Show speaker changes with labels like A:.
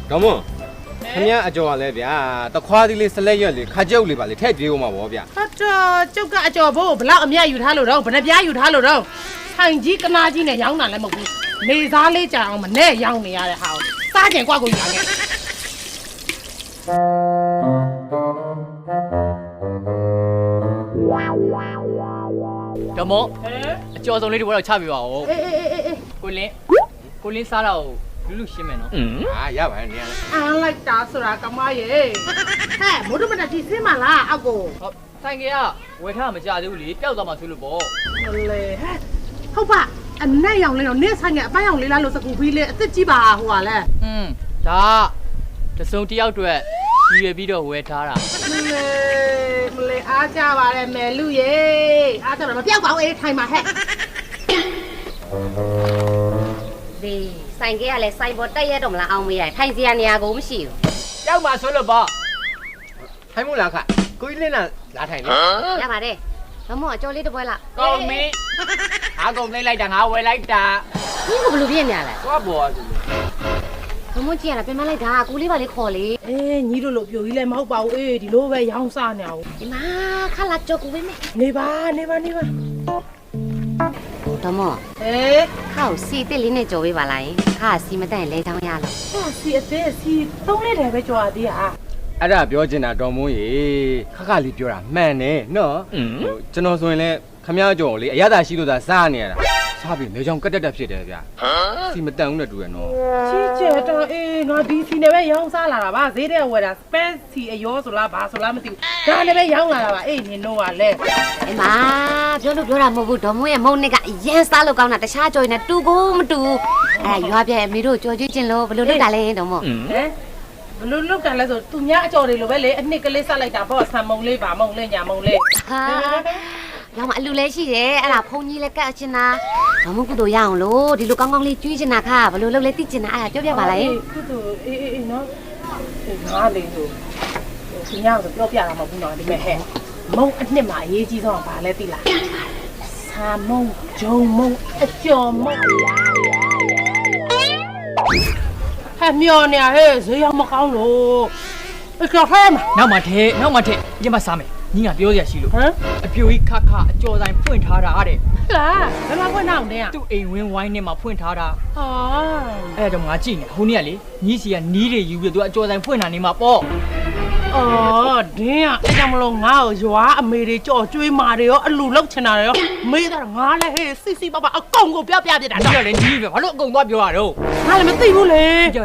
A: တော်မခင်ဗျာအကျော်ကလည်းဗျာတခွားသီးလေးစလက်ရွက်လေးခါကျုပ်လေးပါလေထည့်ပြေးဦးမှာပေါ့ဗျာ
B: ဟုတ်တော့ကျုပ်ကအကျော်ဘိုးဘလောက်အမြတ်ယူထားလို့တော့ဘယ်နှပြားယူထားလို့တော့ဆိုင်ကြီးကနာကြီးနဲ့ရောင်းတာလည်းမဟုတ်ဘူးနေသားလေးကြာအောင်မနဲ့ရောင်းနေရတဲ့ဟာကိုစားကြင်ကွက်ကိုယူလာခဲ့
C: တော်မောအကျော်စုံလေးတွေတော့ချပြပါဦးကိုလင်းစားတော့လူရှင်းမယ်နော်
A: ဟာရပါတယ်နေရာလေ
B: အားလိုက်တာဆိုတာကမရေဟဲ့မိုးတို့မတက်ကြီးစင်းမလားအောက်ကို
C: ဟုတ်ဆိုင်ကဝယ်ထားမကြသေးဘူးလေပျောက်သွားမှဆိုလို့ပေါ့
B: လေဟဲ့ဟုတ်ပါအနက်ရောင်လေးတော့နေဆိုင်ကအပန်းရောင်လေးလားလို့စကူပြီးလေအစ်စ်ကြီးပါဟိုကလည်း
C: ဒါတစုံတယောက်အတွက်ရည်ရွယ်ပြီးတော့ဝယ်ထားတာ
B: မလေးအားကြပါတယ်မယ်လူရေအားကြတော့မပြောက်ပါဘူးအေးထိုင်ပါဟဲ့
D: ဒီဆိုင်ကလည်းစိုက်ပေါ်တက်ရတော့မလားအောင်မရထိုင်စရာနေရာကိုမရှိဘူး
C: ပျောက်မှဆိုလို့ပေါ့
A: ထိုင်မို့လားခကိုကြီးလင်းလာထိုင်လေ
D: ရပါတယ်မမောအကျော်လေးတစ်ပွဲလား
C: ကောင်းမင်းအားကုန်သိလိုက်တာငါဝယ်လိုက်တာ
D: ဒီကဘလို့ပြင်းနေရလဲ
C: သွားပေါ်ဆိုလို့
D: မမောကြည့်ရတာပြန်မလိုက်တာကိုလေးပါလေးခေါ်လေ
B: အေးညီတို့လို့ပြိုကြီးလည်းမဟုတ်ပါဘူးအေးဒီလိုပဲရောင်းစားနေအောင်
D: ဒီမှာခလာကြောက်ကူပဲမေ
B: နေပါ
D: တော့မော
B: အေး
D: ခောက်စီတစ်လေးနဲ့ကြော်ပေးပါလားခါစီမတန့်လဲချောင်းရလို့
B: ဟာစီအသေးစီသုံးလေးတယ်ပဲကြွားသေးဟာ
A: အဲ့ဒါပြောချင်တာတော်မိုးရေခလေးပြောတာမှန်တယ်နော်ကျွန်တော်ဆိုရင်လည်းခမအကျော်ကိုလေအရသာရှိလို့သာစားနေရတာစားပြီးလေချောင်းကတက်ဖြစ်တယ်ဗျာစီမတန်ဘူးနဲ့တူရနော်
B: ချီကျဲတော့အေးငါဒီစီနဲ့ပဲရောင်းစားလာတာပါဈေးတဲ့ဝယ်တာ space စီအယောဆိုလားဘာဆိုလားမသိဘူးဒါနဲ့ပဲရောင်းလာတာပါအေးနင်တို့ကလည်း
D: အမပြောလို့ပြောတာမဟုတ်ဘူးဒေါ်မိုးရဲ့မုန်းနဲ့ကအရင်စားလို့ကောင်းတာတခြားကြော်ရင်တူကိုမတူရွာပြဲအမေတို့ကြော်ကြည့်ချင်းလို့ဘလို့လုပ်တာလဲဒေါ်မိုး
B: ဟမ်ဘလို့လုတ်တယ်လဲဆိုသူများအကြော်တွေလိုပဲလေအနှစ်ကလေးဆက်လိုက်တာပေါ့ဆံမုံလေးပါမုံလေးညာမုံလေး
D: ဟာရောင်းမအလူလဲရှိတယ်အဲ့ဒါဖုန်ကြီးလည်းကတ်ချင်တာဘာမှကုသိုလ်ရအောင်လို့ဒီလိုကောင်းကောင်းလေးကျွေးချင်တာခါဘလို့လုပ်လဲသိချင်တာအဲ့ဒါပြောပြပါလား
B: ကုသိုလ်အေးနော်ငါလေးဆိုသူများဆိုပြောပြတာမဟုတ်ဘူးနော်ဒီမဲ့ဟဲ့မုံအနှစ်မှာအရေးကြီးဆုံးကဘာလဲသိလားဆာမုံဂျုံမုံအကျော်မုံဟဲ့မျောနေဟဲ့ဈေးရောက်မကောင်းလို့အကျော်ဟဲ့မ
C: နောက်မှထဲရင်မစားမယ်ညီကပြောရရှိလို့
B: ဟမ်
C: အပြိုကြီးခအကျော်ဆိုင်ဖွင့်ထားတာတဲ့
B: လားဘယ်မှာဖွင့်အောင်တဲ့
C: သူ့အိမ်ဝင်းဝိုင်းထဲမှာဖွင့်ထားတာ
B: ဟာ
C: အဲ့တော့ငါကြည့်နေဟိုနေ့ကလေညီစီကနီးတွေယူပြီးသူအကျော်ဆိုင်ဖွင့်တာနေမှာပေါ့
B: အော်ဒင်းကအဲ့ကြောင့်မလို့ငါ့ကိုရွာအမေတွေကြော်ကျွေးမာတွေရောအလူလောက်ချင်တာရောမေးတာငါလည်းဟဲ့စစ်စစ်ပပအကုန်ကိုပြောပြပြတာ
C: ညီကလည်းညီးပဲဘာလို့အကုန်သွားပြောရတော့
B: ငါလည်းမသိဘူးလေ